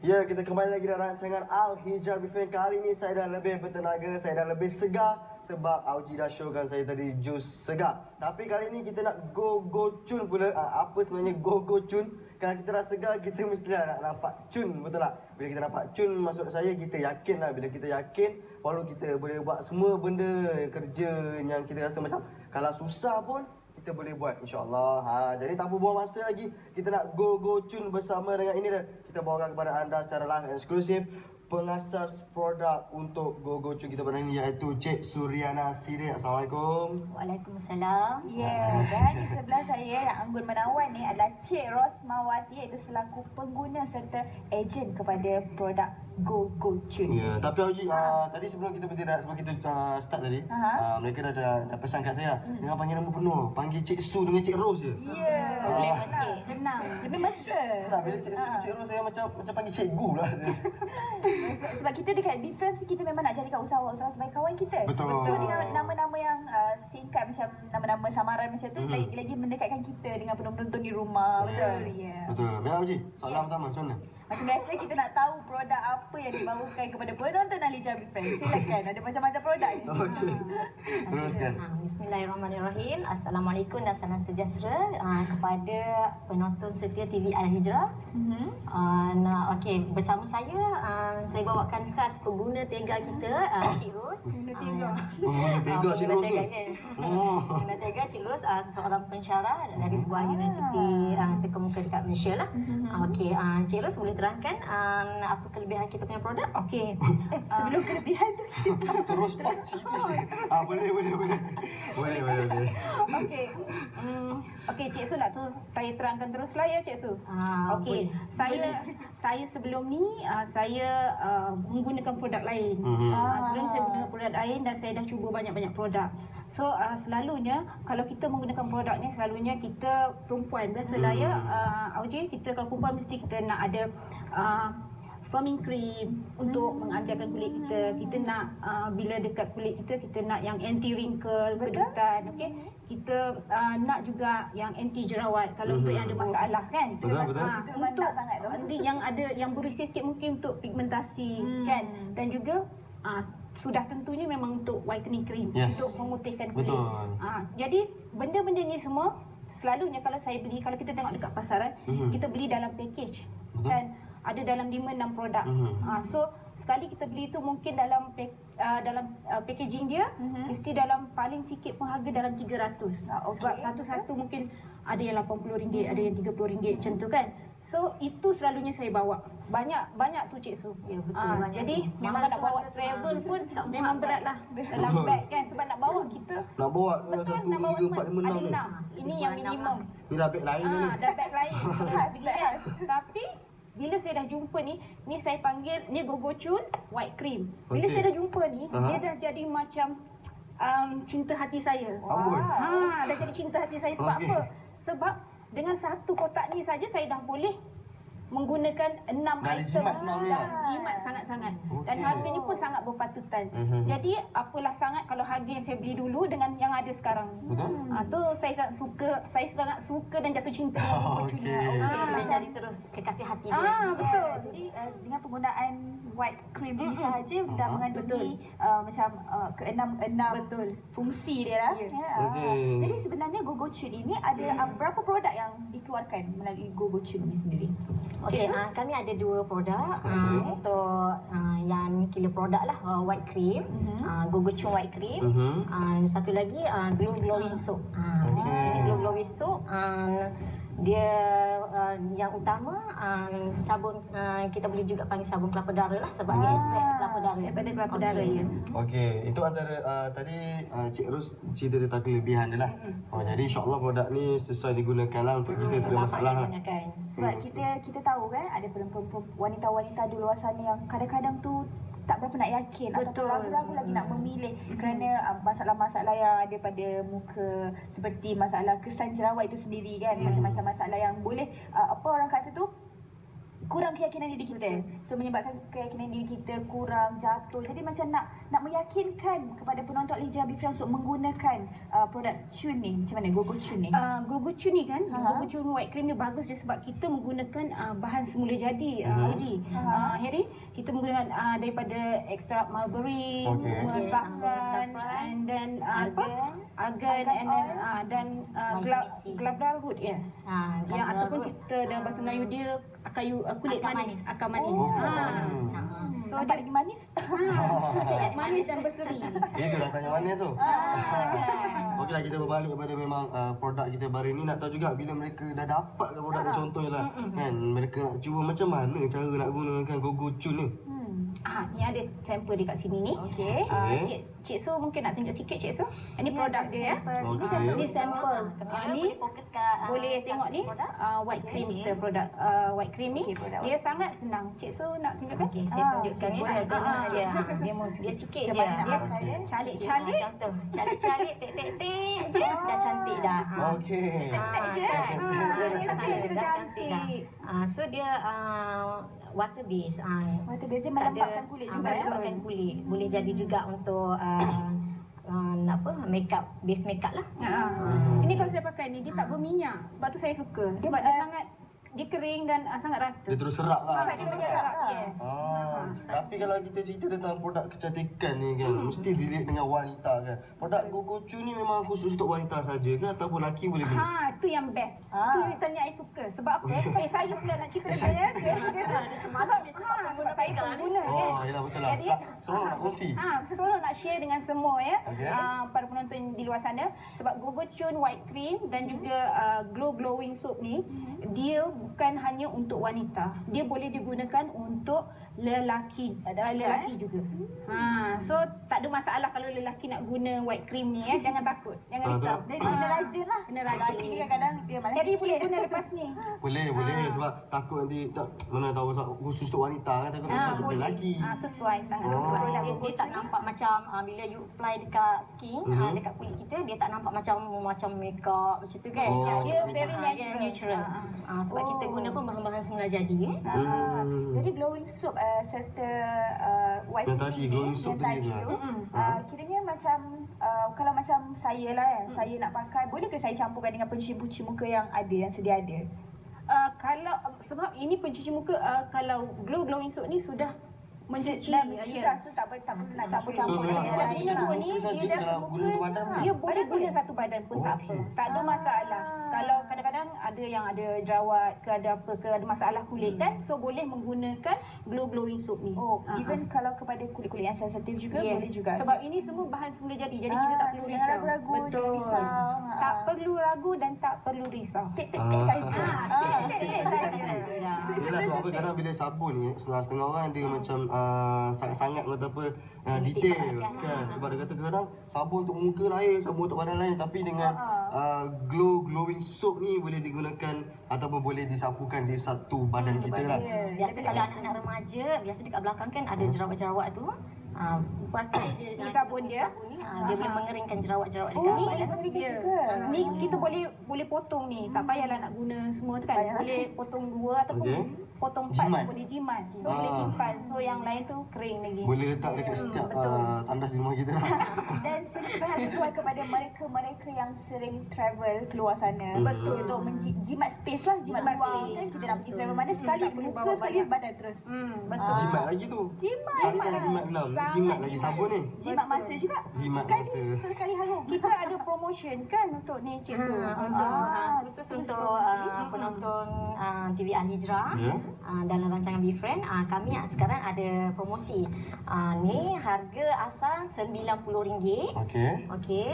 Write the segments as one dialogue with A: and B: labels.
A: Ya, kita kembali lagi dalam rancangan Al-Hijrah Briefing. Kali ini saya dah lebih bertenaga, saya dah lebih segar sebab Auji dah showkan saya tadi jus segar. Tapi kali ini kita nak go cun pula. Apa sebenarnya go cun? Kalau kita dah segar, kita mestilah nak nampak cun, betul tak? Bila kita nampak cun, maksud saya kita yakin lah. Bila kita yakin, baru kita boleh buat semua benda kerja yang kita rasa macam kalau susah pun kita boleh buat, insyaAllah. Jadi tanpa buang masa lagi, kita nak go cun bersama dengan ini dah. Kita bawakan kepada anda secara live and eksklusif pengasas produk untuk go cun kita pada ini, iaitu Cik Suriana Sidik. Assalamualaikum.
B: Waalaikumsalam.
C: Dan di sebelah saya yang anggun menawan ni adalah Cik Rosmawati, iaitu selaku pengguna serta ejen kepada produk go cun.
A: Ya, tapi Auji, tadi sebelum kita start tadi, mereka dah pesan kat saya, jangan panggil nama penuh, panggil Cik Su dengan Cik Ros je.
C: Ya,
B: Boleh sikit.
C: senang, lebih mesra.
A: Tak, bila Cik Su, Cik Ros saya macam panggil cikgu lah.
C: Sebab kita dekat difference, kita memang nak jadikan usahawan-usahawan sebagai kawan kita.
A: Betul.
C: So dengan nama-nama yang singkat macam nama-nama samaran macam tu, lagi mendekatkan kita dengan penonton di rumah. Betul. Ya.
A: Betul. Baik Auji, soalan pertama macam mana?
C: Macam biasa kita nak tahu produk apa yang dibawakan kepada penonton Al-Hijrah Briefing. Silakan, ada macam-macam produk ni.
A: Okey. Teruskan.
B: Bismillahirrahmanirrahim. Assalamualaikum dan salam sejahtera kepada penonton setia TV Al-Hijrah. Okey, bersama saya bawakan khas pengguna tega kita, Cik Ros.
C: Pengguna tega.
A: Pengguna tega Cik Ros tu.
B: Pengguna tega Cik Ros, seorang pensyarah dari sebuah universiti terkemuka dekat Malaysia lah. Okey, Cik Ros boleh terangkan apa kelebihan kita punya produk?
C: Okey. Sebelum kelebihan tu
A: Terus pas. Boleh.
C: Okey. Okey, Cik Su nak tu saya terangkan teruslah ya Cik Su. Okey. Saya sebelum ni saya menggunakan produk lain. Sebelum saya menggunakan produk lain dan saya dah cuba banyak-banyak produk. So selalunya kalau kita menggunakan produk ni, selalunya kita perempuan biasalah ya, Auji, kita kalau perempuan mesti kita nak ada firming cream untuk mengajarkan kulit kita. Kita nak bila dekat kulit kita nak yang anti wrinkle, kedutan, okey. Kita nak juga yang anti jerawat kalau untuk yang ada masalah kan.
A: Betul.
C: Untuk nanti yang ada yang berisik sikit mungkin untuk pigmentasi kan, dan juga sudah tentunya memang untuk whitening cream, untuk memutihkan kulit. Jadi benda-benda ni semua selalunya kalau saya beli, kalau kita tengok dekat pasaran, kita beli dalam package. Kan ada dalam 5-6 produk. So sekali kita beli tu mungkin dalam packaging dia mesti dalam paling sikit pun harga dalam 300. Sebab satu-satu mungkin ada yang RM80, ada yang RM30 macam tu kan. So itu selalunya saya bawa. Banyak tu Cik Su.
B: Ya, betul.
C: Jadi memang nak bawa travel pun memang beratlah dalam beg kan, sebab nak bawa kita.
A: Nak bawa
C: Betul,
A: 1,
C: nak bawa
A: 2, 3, 4, 5, 6
C: ada
A: ni.
C: 6. Ini yang minimum.
A: Ni dah beg lain ni.
C: Dah beg lain. Khas. Tapi bila saya dah jumpa ni saya panggil ni go cun white cream. Bila saya dah jumpa ni, dia dah jadi macam cinta hati saya. Dah jadi cinta hati saya. Sebab apa? Sebab dengan satu kotak ni saja saya dah boleh menggunakan 6 item. Jimat sangat-sangat. Dan harganya pun sangat berpatutan. Jadi apalah sangat kalau harga yang saya beli dulu dengan yang ada sekarang.
A: Betul.
C: Tu saya sangat suka dan jatuh cinta dengan go cun.
B: Boleh jadi terus kekasih hati dia.
C: Betul. Jadi dengan penggunaan white cream ini sahaja dah mengandungi macam keenam fungsi dia lah. Jadi sebenarnya go cun ini ada berapa produk yang dikeluarkan melalui go cun ini sendiri?
B: Okey, kami ada 2 produk untuk yang killer produk lah, white cream, go cun white cream. Satu lagi glowing soap. Ini glowing soap. Dia yang utama sabun, kita boleh juga panggil sabun kelapa darah lah, sebab dia extract kelapa darah.
C: Daripada kelapa darah ya.
A: Okey, itu antara tadi Cik Ros cerita tentang kelebihan dia lah. Jadi insya-Allah produk ni sesuai digunakan lah untuk kita, tidak masalah lah.
C: Sebab kita tahu kan ada wanita-wanita di luar sana yang kadang-kadang tu tak berapa nak yakin atau ragu-ragu lagi nak memilih kerana masalah-masalah yang ada pada muka, seperti masalah kesan jerawat itu sendiri kan, macam-macam masalah yang boleh apa orang kata tu kurang keyakinan diri kita. So menyebabkan keyakinan diri kita kurang, jatuh. Jadi macam nak meyakinkan kepada penonton Al-Hijrah Bifra untuk menggunakan produk Chun ni. Macam mana Gogo Chun ni? Gogo Chun ni kan, Gogo Chun White Cream ni bagus dia sebab kita menggunakan bahan semula jadi, Haji. Harry, kita menggunakan daripada ekstrak mulberry, saffron, and then argan, and then glabra root yang ataupun kita dalam bahasa Melayu dia kulit manis, akar manis. So dia lagi manis. Manis dan berseri.
A: Itu dah tanya manis tu. Okeylah, kita berbalik kepada memang produk kita baru ni. Nak tahu juga bila mereka dah dapatkan produk ni, contohnya lah kan, mereka nak cuba macam mana cara nak gunakan Gogo Chun ni.
C: Ni ada sampel dekat sini ni. Okey. Cik Su mungkin nak tunjuk sikit Cik Su. Ini produk dia ya. Ini sampel. Ni sampel. Ni
B: fokus kat
C: boleh tengok ni white cream kita produk white cream ni. Dia sangat senang. Cik Su nak tunjukkan?
B: Okey, saya tunjukkan ya. Dia mau sikit je.
C: Dia calik-calik.
B: Contoh, calik-calik, tek-tek-tek je dah cantik dah.
A: Okey.
C: Tek je.
B: Dah cantik dah. So dia water base.
C: Water base dia melembabkan kulit juga.
B: Melembabkan kulit. Boleh jadi juga untuk makeup, base makeup lah.
C: Ini kalau saya pakai ni dia tak berminyak. Sebab tu saya suka. Sebab dia sangat dia kering dan sangat rata.
A: Dia terus serap lah.
C: Dia terus serap. Yes.
A: Tapi kalau kita cerita tentang produk kecantikan ni kan, mesti relate dengan wanita kan. Produk Gogo Chun ni memang khusus untuk wanita saja ke ataupun lelaki boleh guna?
C: Tu yang best. Tu tanya saya suka. Sebab apa? Saya pula nak cerita dia. Dia semangat dia sebab saya pengguna kan.
A: Yalah betul lah. Seronok nak kongsi.
C: Seronok nak share dengan semua ya. Para penonton di luar sana. Sebab Gogo Chun White Cream dan juga Glow Glowing Soap ni, dia bukan hanya untuk wanita. Dia boleh digunakan untuk lelaki juga. So tak ada masalah kalau lelaki nak guna white cream ni ya. Jangan takut. Jangan risau. Dia kena rajin lah. Kena rajin. Lelaki ni kadang-kadang dia malas. Jadi boleh guna lepas ni.
A: Boleh sebab takut nanti mana tahu khusus untuk wanita kan, takut untuk lelaki.
C: Sesuai sangat sesuai.
B: Dia tak nampak macam bila you apply dekat skin, dekat kulit kita, dia tak nampak macam makeup macam tu kan.
C: Dia very
B: natural. Sebab kita guna pun bahan-bahan semula jadi
C: Jadi glowing soap serta white
A: yang tadi glowing soap tadi
C: kiranya macam kalau macam saya lah kan, saya nak pakai, boleh ke saya campurkan dengan pencuci muka yang sedia ada? Kalau sebab ini pencuci muka, kalau glowing soap ni sudah mencuci so tak perlu nak campur-campur dengan yang lain lah.
A: Dia dah guna satu badan pun?
C: Dia boleh guna satu badan pun tak apa. Tak ada masalah. Kalau kadang-kadang ada yang ada jerawat ke ada apa ke, ada masalah kulit kan, so boleh menggunakan glowing soap ni. Even kalau kepada kulit-kulit yang sensitif juga boleh juga. Sebab ini semua bahan semula jadi kita tak perlu risau. Betul. Tak perlu ragu dan tak perlu risau. Tek-tek saja.
A: Yelah, sebab apa kadang bila sabun ni setengah orang dia macam sangat-sangat kata apa detail kan. Sebab dia kata kadang sabun untuk muka lain, sabun untuk badan lain, tapi dengan glowing soap ni boleh digunakan ataupun boleh disapukan di satu badan kita lah.
B: Biasa kalau anak-anak remaja, biasa dekat belakang kan ada jerawat-jerawat tu. Pakai je
C: sabun dia.
B: Dia boleh mengeringkan jerawat-jerawat dekat badan.
C: Ni kita boleh potong ni. Tak payahlah nak guna semua tu kan. Boleh potong 2 ataupun potong 4 boleh jimat. So boleh simpan. So yang lain tu kering lagi.
A: Boleh letak dekat setiap tandas di rumah kita lah.
C: Dan sangat sesuai kepada mereka yang sering travel keluar sana. Betul. Untuk menjimat space lah, jimat ruang kan. Kita nak pergi travel mana sekali, muka sekali, badan terus. Betul.
A: Jimat lagi tu. Kali dah jimat 6, jimat lagi sabun ni.
C: Jimat masa juga.
A: Jimat masa.
C: Sekali harum. Kita ada promotion kan untuk ni Cik Su.
B: Khusus untuk penonton TV Al-Hijrah dalam rancangan BeFriend, kami sekarang ada promosi. Ni harga asal RM90. Okey.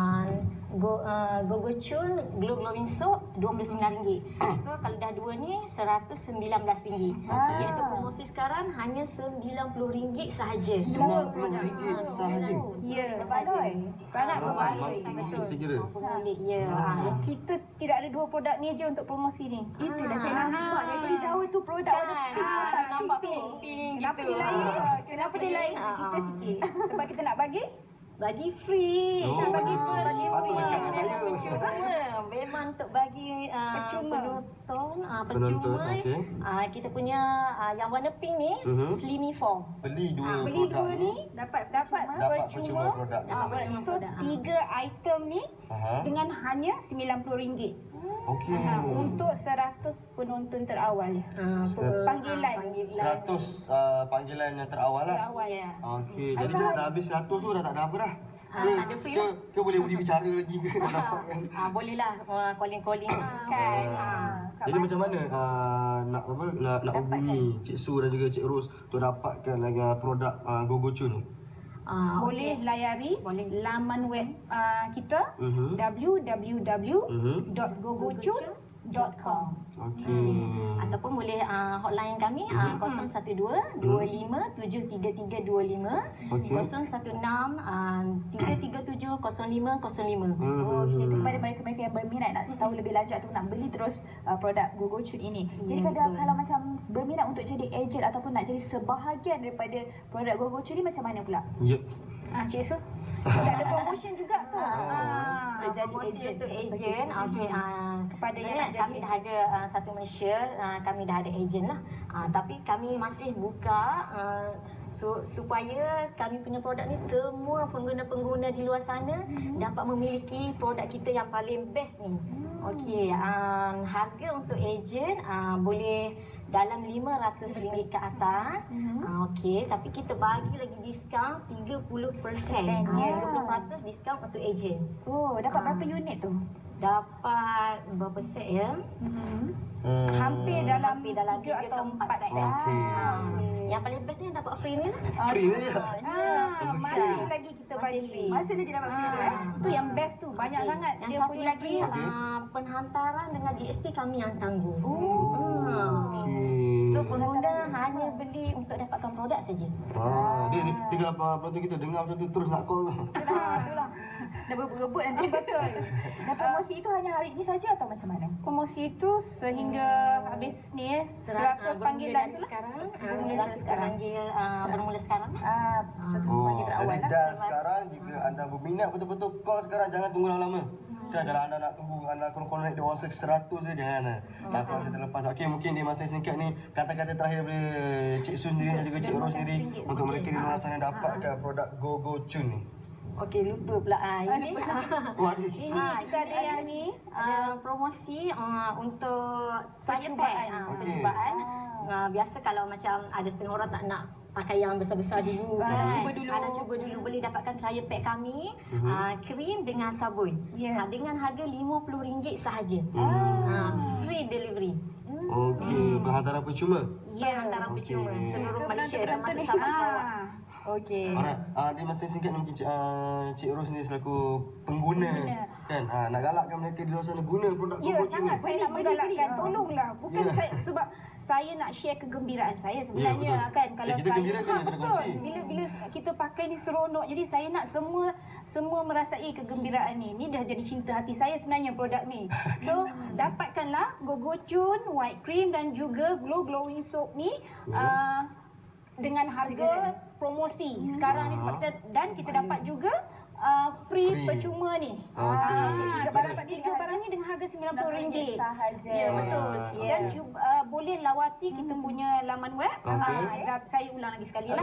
B: Gogo Chun Glow Glowing Soap RM29. So kalau dah dua ni RM119. Jadi untuk promosi sekarang hanya RM90 sahaja.
A: RM90 sahaja.
C: Ya, sangat berbaloi.
A: Betul.
C: Kita tidak ada dua produk ni je untuk promosi ni. Itulah saya nampak daripada jauh tu produk
B: nampak pink
C: Kenapa dia lain? Kenapa dia lain? Kita sikit. Sebab kita nak bagi free. Nak bagi free.
A: Patut macam saya.
B: Memang untuk bagi penonton percuma.
A: okey.
B: Kita punya yang warna pink ni Slimy Form.
A: Beli dua
C: Beli
A: produk
C: dua ni dapat
A: percuma produk.
B: Dapat percuma
C: So
B: produk.
C: 3 item ni
A: Aha.
C: dengan hanya RM90.
A: Okey.
C: Untuk 100 penonton terawal. Panggilan.
A: 100 panggilan yang terawal lah.
C: Terawal.
B: Ya.
A: Okey, jadi bila dah habis 100 tu dah tak ada apa dah.
B: Tak ada free lah.
A: Ke boleh beli bicara lagi ke dah dapat kan?
B: Boleh lah calling-calling
C: Kan.
A: Jadi macam mana nak hubungi Cik Su dan juga Cik Ros untuk dapatkan produk GoGoCun ni?
C: Boleh layari laman web kita www.gogocun.com.
A: Okey.
B: Ataupun boleh hotline kami 012 25 73325
A: Okey.
B: 016 337 0505.
C: Okey, itu kepada mereka-mereka yang berminat nak tahu lebih lanjut atau nak beli terus produk GoGoCun ini. Jadi kalau macam berminat untuk jadi ejen ataupun nak jadi sebahagian daripada produk GoGoCun ni macam mana pula?
A: Yep.
C: Cik Su, ada promotion juga tu.
B: Jadi untuk ejen, okey.
C: Kepada yang nak
B: kami dah ada satu Malaysia, kami dah ada ejen lah. Tapi kami masih buka supaya kami punya produk ni semua pengguna-pengguna di luar sana dapat memiliki produk kita yang paling best ni. Okey, harga untuk ejen boleh dalam RM500 ke atas. Okey, tapi kita bagi lagi diskaun 30%. 30% diskaun untuk ejen.
C: Oh, dapat berapa unit tu?
B: Dapat berapa set ya?
C: Hampir dalam
B: 3
C: atau 4 set.
A: Okey.
B: Yang paling best ni dapat free ni lah.
A: Free ni ya?
C: Masih lagi kita bagi free. Masih lagi dapat free tu. Tu yang best tu. Banyak sangat.
B: Yang
C: dia
B: satu
C: punya
B: lagi
C: free.
B: penghantaran dengan GST kami yang tanggung.
A: Okey.
B: So pengguna hanya beli untuk dapatkan produk saja.
A: Dia kalau penonton kita dengar macam tu terus nak call tu.
C: Itulah. Dah berebut nanti betul. Dan promosi itu hanya hari ini saja atau macam mana? Promosi itu sehingga habis ni 100 panggilan tu lah.
B: Sekarang
C: Bermula
B: sekarang.
A: Jadi dah sekarang jika anda berminat betul-betul call sekarang, jangan tunggu lama-lama. Kan kalau anda nak tunggu, anda connect dia orang 100 je, jangan. Takut kita terlepas. Okey, mungkin di masa singkat ni kata-kata terakhir daripada Cik Su sendiri dan juga Cik Ros sendiri untuk mereka di luar sana dapatkan produk GoGoCun ni.
B: Okey, lupa pula. Ini
C: kita ada yang ni
B: promosi untuk
C: percubaan.
B: Percubaan. Biasa kalau macam ada setengah orang tak nak pakai yang besar-besar dulu, nak cuba dulu boleh dapatkan trial pack kami, krim dengan sabun. Dengan harga RM50 sahaja. Free delivery.
A: Okey, penghantaran percuma.
B: Ya, hantaran percuma seluruh Malaysia dan masuk Sabah Sarawak.
C: Okey.
A: Alright, di masa singkat ni mungkin Cik Ros ni selaku pengguna kan, nak galakkan mereka di luar sana guna produk GoGoCun ni.
C: Sangat saya nak menggalakkan. Tolonglah. Bukan saya, sebab saya nak share kegembiraan saya sebenarnya kan. Kalau
A: kita
C: saya
A: gembira kan daripada kongsi.
C: Bila kita pakai ni seronok. Jadi saya nak semua merasai kegembiraan ni. Ni dah jadi cinta hati saya sebenarnya produk ni. So dapatkanlah GoGoCun White Cream dan juga Glow Glowing Soap ni dengan harga promosi sekarang ni dan kita dapat juga free percuma ni. Tiga barang ni dengan harga RM90 sahaja. Ya, betul. Dan boleh lawati kita punya laman web. Saya ulang lagi sekali lah.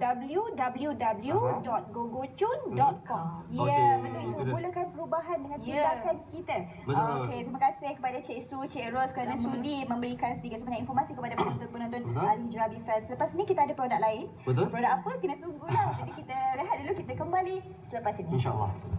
C: www.gogocun.com. Ya, betul itu. Mulakan perubahan dengan tindakan kita. Okey, terima kasih kepada Cik Su, Cik Ros kerana sudi memberikan sedikit sebanyak informasi kepada penonton-penonton Al-Hijrah Fest. Lepas ni kita ada produk lain. Produk apa? Kena tunggulah. Jadi kita rehat dulu, kita kembali selepas ini.
A: InsyaAllah.